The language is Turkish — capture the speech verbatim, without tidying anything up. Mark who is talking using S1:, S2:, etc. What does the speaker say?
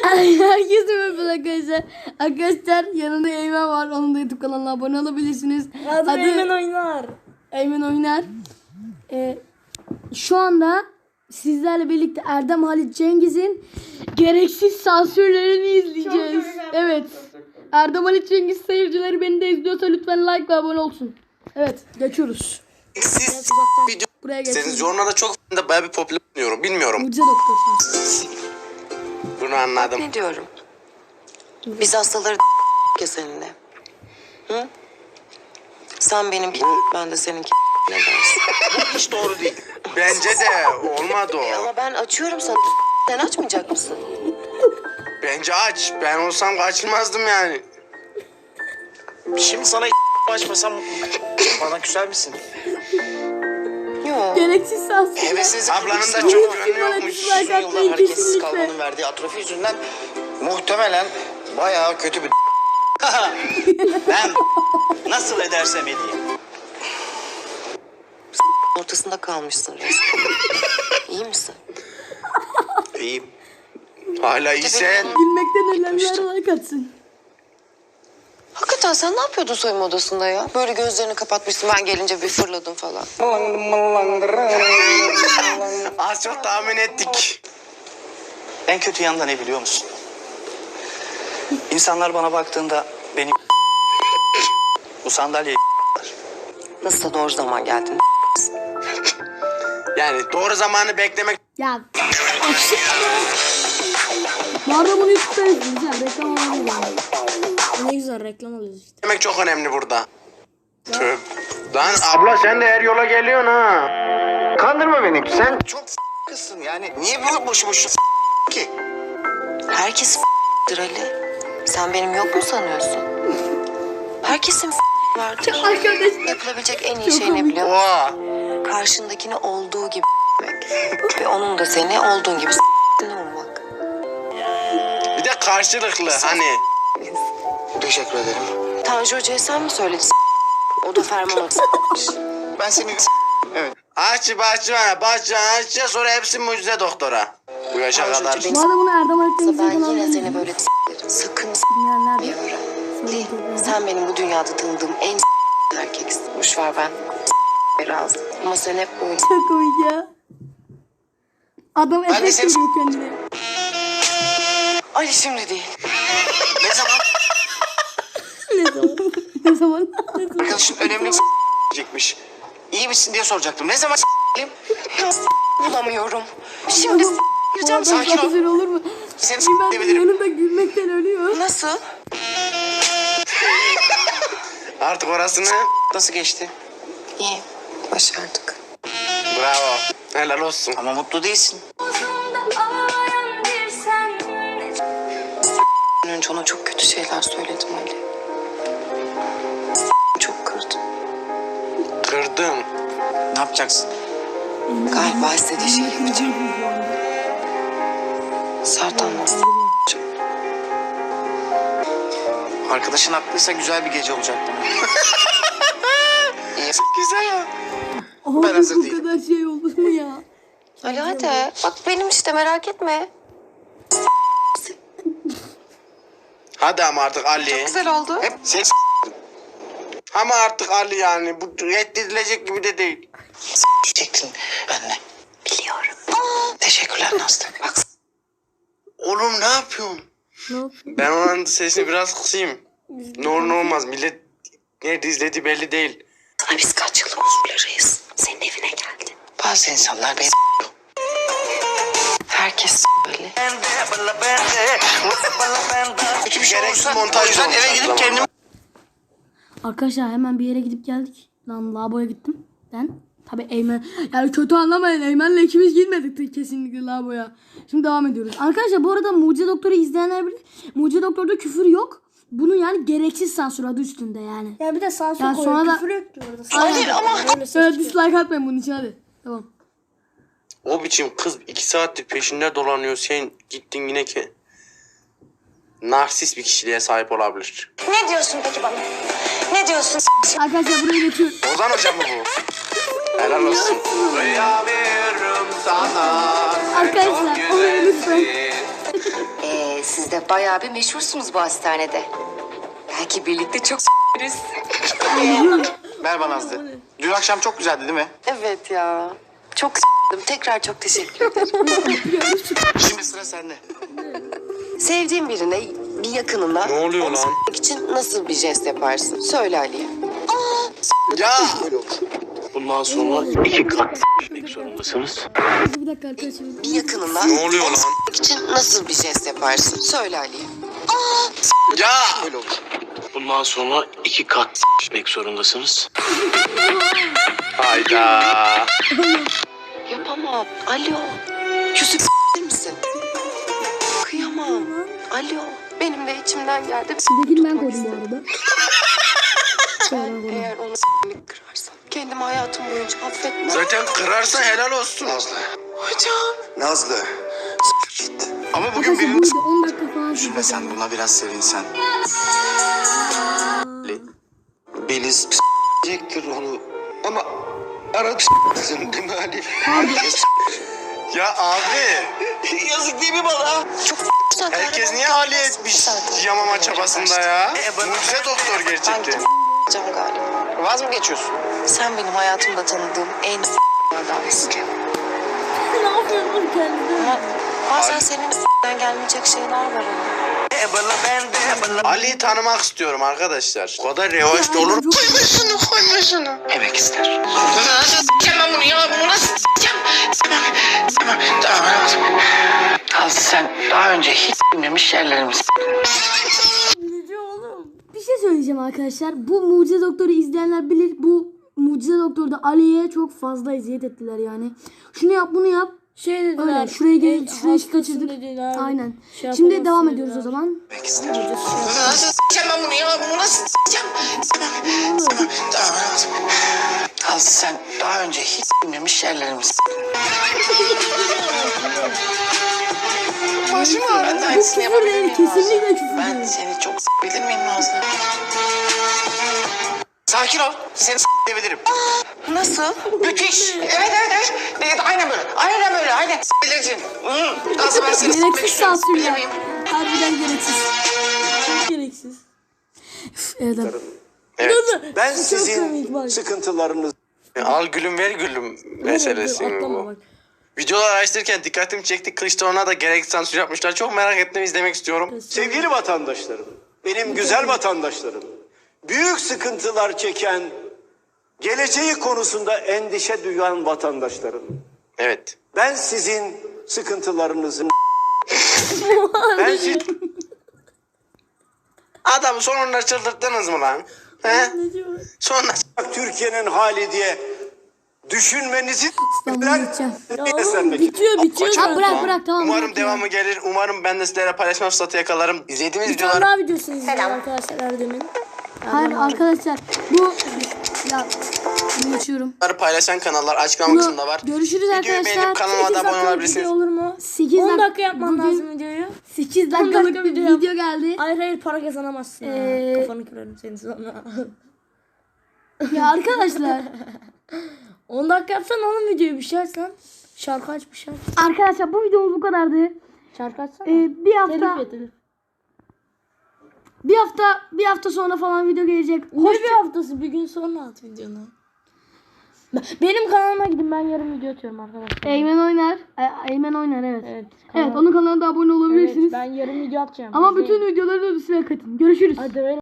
S1: Herkese merhaba arkadaşlar. Arkadaşlar yanımda Eymen var. Onun da YouTube kanalına abone olabilirsiniz.
S2: Adı, Adı Eymen Oynar.
S1: Eymen Oynar. Ee, şu anda sizlerle birlikte Erdem Halit Cengiz'in gereksiz sansürlerini izleyeceğiz. Evet. Erdem Halit Cengiz seyircileri beni de izliyorsa lütfen like ve abone olsun. Evet, geçiyoruz.
S3: Siz video
S1: Buraya
S3: istediniz.
S1: geçiyoruz.
S3: Jornalda çok da bayağı bir popüler buluyorum. Bilmiyorum.
S1: Mucize Doktor sansür.
S3: Bunu anladım.
S4: Ne diyorum? Biz hastaları ya seninle. Hı? Sen benim ben de seninki ne dersin?
S3: Bu hiç doğru değil. Bence de olmadı
S4: E
S3: o.
S4: ama ben açıyorum sana. Sen açmayacak mısın?
S3: Bence aç. Ben olsam açılmazdım yani.
S5: Şimdi sana açmasam bana küser misin?
S4: Yok.
S1: Gereksiz sansür.
S5: Hevesiz
S3: Ablanın da
S5: çok
S3: çok
S1: Bana
S3: yönü yokmuş.
S1: dislike
S5: uzun yıllar
S1: atmayın
S5: hareketsiz
S1: kesinlikle.
S5: kalmanın verdiği atrofi yüzünden muhtemelen bayağı kötü bir ben nasıl edersem edeyim.
S4: Ortasında kalmışsın resmen. İyi misin?
S3: İyiyim. Hala iyisen.
S1: Gülmekten ölenler like atsın.
S4: Hakikaten sen ne yapıyordun soyunma odasında ya? Böyle gözlerini kapatmışsın, ben gelince bir fırladın falan.
S3: Az çok tahmin ettik.
S5: En kötü yanında ne biliyor musun? İnsanlar bana baktığında beni bu sandalyeye
S4: Nasıl da doğru zaman geldin.
S3: Yani doğru zamanı beklemek
S1: Ya. Bu arada bunu YouTube'da izleyeceğim. Reklam alıyoruz yani. Ne güzel reklam alıyoruz işte.
S3: demek çok önemli burada. Tüh. Lan abla sen de her yola geliyorsun ha.
S5: kandırma beni. Sen çok kızsın yani. Niye bu boşu boşu ki?
S4: Herkes Ali. Sen benim yok mu sanıyorsun? Herkesin vardır.
S1: Arkadaşlar.
S4: Yapılabilecek en iyi
S1: Çok
S4: şey ne
S1: komik.
S4: biliyor musun?
S3: Oha.
S4: Karşındakini olduğu gibi ve onun da seni olduğun gibi olmak.
S3: Bir de karşılıklı hani.
S5: Teşekkür ederim.
S4: Tanju Hoca'ya sen mi söyledin? O da ferman atmış.
S5: Ben seni evet.
S3: Aç bahçıvana, bahçıvana açacağız sonra hepsi mucize doktora. Bu yaşa
S4: Tanju
S3: kadar.
S4: Hoca
S1: Bu arada bunu Erdem Halit Cengiz'in
S4: Ben
S1: kanalına
S4: yine seni
S1: izleyeceğim.
S4: böyle sakın
S1: Dinleyenler de.
S4: öğren.
S1: Sorun
S4: Sen benim bu dünyada tanıdığım en erkeksin. Boş ver ben razı. Ama sen hep böyle.
S1: Çok komik ya. Adam
S5: Ben de
S1: efekt
S5: seni-
S1: veriyor kendine.
S4: Ali şimdi değil.
S5: Ne zaman
S1: Ne zaman? Ne zaman?
S5: arkadaşın önemli diyecekmiş. İyi misin diye soracaktım. Ne zaman
S4: Bulamıyorum. Şimdi gireceğim.
S5: Sakin ol.
S1: Güzel olur mu?
S5: Seni
S1: Ben
S5: s**ebilirim.
S1: yanımda gülmekten ölüyor.
S4: Nasıl?
S3: Artık orasını
S5: Nasıl geçti?
S4: İyi. Başardık.
S3: bravo. Helal olsun.
S5: Ama mutlu değilsin.
S4: Önce ona çok kötü şeyler söyledim Ali. Çok kırdım.
S3: Kırdım.
S5: Ne yapacaksın?
S4: Galiba istediği şeyi yapacağım. Sert anlasın.
S5: Arkadaşın haklıysa güzel bir gece olacak bana. İyi.
S3: Güzel ya.
S1: Abi
S5: Ben hazır
S1: bu
S5: değilim.
S1: kadar şey olur mu ya?
S4: Ali hadi. Bak benim işte merak etme.
S3: Hadi ama artık Ali.
S4: Güzel oldu.
S5: Hep sen
S3: Ama artık Ali yani. Bu reddedilecek gibi de değil.
S5: diyecektin benimle.
S4: Biliyorum.
S5: Teşekkürler Nazlı. Bak
S3: Oğlum ne yapıyorsun?
S1: Ne yapayım?
S3: Ben onun sesini biraz kısayım. Ne olur ne olmaz. Millet nerede izlediği belli değil.
S4: Sana biz kaç yıllık huzurlarıyız. Senin evine geldi.
S5: bazı insanlar beni
S4: Herkes böyle.
S5: kötü bir şey
S3: Gereksiz
S5: olursa
S3: montaj
S5: o yüzden
S3: olmuş
S5: eve
S3: aynı
S5: gidip
S3: zamanda.
S5: kendimi
S1: Arkadaşlar hemen bir yere gidip geldik. Lan lavaboya gittim. Ben tabii Eymen. Yani kötü anlamayın. Eymen'le ikimiz gitmedik kesinlikle lavaboya. Şimdi devam ediyoruz. Arkadaşlar bu arada Mucize Doktor'u izleyenler bilir. Mucize Doktor'da küfür yok. Bunu yani gereksiz sansür adı üstünde yani.
S2: Ya bir de sansür
S1: Ya
S2: koyuyor.
S1: sonra da-
S2: Küfür yok ki orada.
S1: Hayır
S2: ama.
S1: Böyle dislike atmayın bunun için hadi. Tamam.
S3: O biçim kız iki saattir peşinde dolanıyor. Sen gittin yine ki. Narsist bir kişiliğe sahip olabilir.
S4: Ne diyorsun peki bana? Ne diyorsun?
S1: Arkadaşlar buraya geçiyorum.
S3: Ozan hocam mı bu? Helal olsun. Kıyamıyorum sana.
S1: Arkadaşlar oraya lütfen.
S4: Ee, siz bayağı bir meşhursunuz bu hastanede. Belki birlikte çok s**eriz.
S5: Merhaba Nazlı. Dün akşam çok güzeldi değil mi?
S4: Evet ya. Çok s**tim. Tekrar çok teşekkür ederim.
S5: Şimdi sıra sende.
S4: Sevdiğin birine, bir yakınına...
S3: Ne oluyor
S4: onu
S3: lan?
S4: s**mek için nasıl bir jest yaparsın? Söyle Ali'ye.
S3: Ya!
S5: Bundan sonra iki kat s**mek zorundasınız.
S1: Bir dakika arkadaşlar.
S4: Bir yakınına...
S3: Ne oluyor
S4: onu
S3: lan?
S4: s**mek için nasıl bir jest yaparsın? Söyle Ali'ye.
S3: Ya!
S5: Böyle olur. Bundan sonra iki kat s**mek zorundasınız.
S3: Hayda.
S4: Yapamam. Alo. Küsüp s**tir misin? Kıyamam. Alo. Benim de içimden geldi.
S1: Şuradakini ben koydum bu arada.
S4: Ben eğer onu s**lik kırarsam kendimi hayatım boyunca affetmem.
S3: Zaten kırarsan helal olsun.
S5: Nazlı.
S4: Hocam.
S5: Nazlı. S**k git. Ama bugün
S1: Arkadaşlar
S5: birinin...
S1: buydu on dakika falan.
S5: Üzülme sen buna biraz sevinsen. Beliz s**ecektir onu. Ama arada s**sın değil mi Ali?
S3: Ya abi.
S5: Yazık değil mi bana?
S4: Çok güzel.
S3: Herkes niye Ali etmiş yamama çabasında ya? Mucize doktor
S4: Ben
S3: gerçekten.
S4: gideceğim galiba.
S5: Vaz mı geçiyorsun?
S4: Sen benim hayatımda tanıdığım en s**lardansın.
S1: Ne yapıyorsun kendine?
S4: Ama bazen senin s**den gelmeyecek şeyler var ama.
S3: Ali'yi tanımak istiyorum arkadaşlar. O kadar revaçta olur.
S4: Koyma şunu, koyma şunu.
S5: Emek ister.
S4: Nasıl s**eceğim ben bunu ya? Bunu nasıl s**eceğim?
S5: Tamam, tamam. Nazlı sen daha önce hiç bilmemiş yerlerimi
S1: Ne diyor oğlum? Bir şey söyleyeceğim arkadaşlar. Bu Mucize Doktor'u izleyenler bilir. Bu Mucize Doktor'da Ali'ye çok fazla eziyet ettiler yani. Şunu yap bunu yap.
S2: Şey dediler.
S1: Öyle şuraya gel,
S2: "Ey,
S1: şuraya
S2: hastasın"
S1: kaçırdık.
S2: dediler.
S1: Aynen.
S2: Şey
S1: Şimdi
S2: yapamazsın
S1: devam
S2: dediler.
S1: ediyoruz o zaman.
S5: Emek ister.
S4: Nasıl s**eceğim ben bunu ya? Bunu nasıl s**eceğim?
S5: Tamam, tamam. Nazlı sen daha önce hiç bilmemiş yerlerimi
S4: Başım
S5: Ben de
S4: ağrıyor.
S1: Bu
S5: aynısını
S1: küfür
S5: yapabilir
S1: değil.
S5: miyim
S1: Kesinlikle
S5: Nazlı?
S1: küfür
S5: Ben
S1: değil.
S5: seni çok s**bilir miyim Nazlı? Sakin ol. Seni s**ebilirim.
S4: Nasıl?
S5: Müthiş. Evet evet evet. Evet aynen böyle. Aynen böyle. Aynen s**bilirsin. Hı. Nazlı ben seni s**mek
S1: Gereksiz
S5: istiyorum. S**bilir
S1: sansürler.
S5: miyim?
S1: Harbiden gereksiz.
S2: Çok gereksiz.
S1: Üf, evet. abi.
S3: Evet.
S6: Ben
S2: komik
S6: sizin
S2: bak.
S6: sıkıntılarınızı
S3: Al gülüm ver gülüm meselesi mi
S2: Atlama
S3: bu?
S2: bak.
S3: Videolar araştırırken dikkatimi çekti. Kılıçdaroğlu'na da gereksiz sansür yapmışlar. Çok merak ettim, izlemek istiyorum.
S6: sevgili vatandaşlarım, benim güzel vatandaşlarım, büyük sıkıntılar çeken, geleceği konusunda endişe duyan vatandaşlarım.
S3: Evet.
S6: Ben sizin sıkıntılarınızın ben siz
S3: Adamı sonunda çıldırttınız mı lan? He? Sonra
S6: Türkiye'nin hali diye düşünmenizi
S1: İstanbul'a gideceğim.
S6: seslenmek
S2: Bitiyor bitiyor
S1: Ha
S2: zaten.
S1: bırak bırak tamam.
S3: umarım
S1: bırak ya.
S3: devamı gelir. Umarım ben de sizlere paylaşma fırsatı yakalarım. İzlediğimiz
S2: Bir tane
S3: videoları
S2: daha videosunu izleyin arkadaşlar Erdem'in.
S1: Hayır arkadaşlar bu ya bunu geçiyorum.
S3: paylaşan kanallar açıklama
S1: Bunu-
S3: kısmında var.
S1: görüşürüz
S3: Videoyu
S1: arkadaşlar.
S3: beğenip kanalıma da
S2: sekiz
S3: abone
S2: dakikalık
S3: olabilirsiniz.
S2: video olur mu?
S1: sekiz
S2: on
S1: dak-
S2: dakika yapman
S1: bugün
S2: lazım videoyu.
S1: sekiz
S2: on
S1: dakikalık
S2: dakika
S1: bir
S2: video yap.
S1: video geldi.
S2: Hayır hayır para kazanamazsın.
S1: Ee,
S2: ha. Kafanı kırarım seni sonra.
S1: Ya arkadaşlar
S2: on dakika yapsan oğlum videoyu bir şey açsan. Şarkı aç bir şey aç.
S1: arkadaşlar bu videomuz bu kadardı.
S2: Şarkı açsana.
S1: Ee, bir hafta
S2: Telif et telif.
S1: bir hafta bir hafta sonra falan video gelecek.
S2: Ne
S1: Hoş
S2: bir haftası bir gün sonra at videonu. Benim kanalıma gidin ben yarın video atıyorum arkadaşlar.
S1: Eymen oynar. E, Eymen oynar evet.
S2: Evet.
S1: Evet
S2: kanal-
S1: onun kanalına da abone
S2: Evet,
S1: olabilirsiniz.
S2: ben yarın video atacağım.
S1: Ama
S2: İzleyin.
S1: bütün videoları da üstüne katın. Görüşürüz.
S2: Hadi öyle.